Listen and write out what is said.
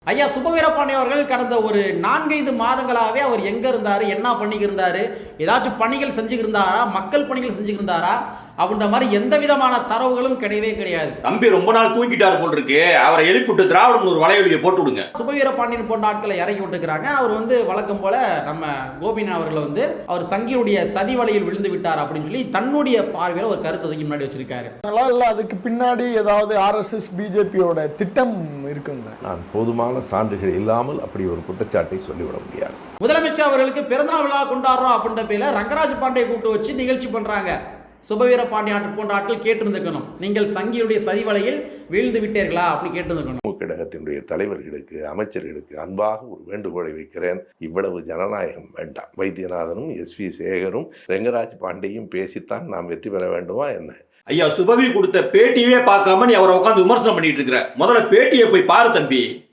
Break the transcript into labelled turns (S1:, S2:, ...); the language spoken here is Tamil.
S1: ஐயா சுபவீரபாண்டி அவர்கள் கடந்த ஒரு 4-5 மாதங்களாகவே அவர் எங்கே இருந்தார், என்ன பண்ணிக்கிருந்தார், ஏதாச்சும் பணிகள் செஞ்சுக்கிருந்தாரா, மக்கள் பணிகள் செஞ்சுக்கிருந்தாரா அப்படின்ற மாதிரி எந்த விதமான தரவுகளும் கிடையவே கிடையாது.
S2: தம்பி ரொம்ப நாள் தூங்கிட்டார் போல் இருக்கு, அவரை எழுப்பிவிட்டு திராவிடம் ஒரு வலையொலியை போட்டு விடுங்க.
S1: சுபவீரபாண்டியன் போன்ற ஆட்களை இறக்கி விட்டுக்கிறாங்க. அவர் வழக்கம் போல நம்ம கோபிநாத் அவர்களை அவர் சங்கியுடைய சதி வலையில் விழுந்து விட்டார் அப்படின்னு சொல்லி தன்னுடைய பார்வையில் ஒரு கருத்து அதுக்கு முன்னாடி வச்சிருக்காரு.
S3: அதுக்கு பின்னாடி ஏதாவது RSS பிஜேபியோட திட்டம் இருக்குங்க.
S4: நான் போதுமான சான்றுகள் இல்லாமல் அப்படி ஒரு குற்றச்சாட்டை சொல்லிவிட முடியாது.
S1: முதலமைச்சர் அவர்களுக்கு பிறந்தநாள் விழா கொண்டாடுறோம் அப்படின்ற பேர்ல ரங்கராஜ் பாண்டே கூப்பிட்டு வச்சு நிகழ்ச்சி பண்றாங்க. சுபவீரபாண்டி போன்ற ஆட்கள் கேட்டிருந்துக்கணும், நீங்கள் சங்கியுடைய சதி வலையில் வீழ்ந்து விட்டீர்களா அப்படின்னு கேட்டிருந்துக்கணும்.
S4: கழகத்தினுடைய தலைவர்களுக்கு, அமைச்சர்களுக்கு அன்பாக ஒரு வேண்டுகோளை வைக்கிறேன். இவ்வளவு ஜனநாயகம் வேண்டாம். வைத்தியநாதனும் SV சேகரும் ரங்கராஜ் பாண்டேயும் பேசித்தான் நாம் வெற்றி பெற வேண்டுமா என்ன?
S2: ஐயா சுபவி கொடுத்த பேட்டியவே பார்க்காம நீ அவரை உட்காந்து விமர்சனம் பண்ணிட்டு இருக்கிற. முதல்ல பேட்டியை போய் பாரு தம்பி.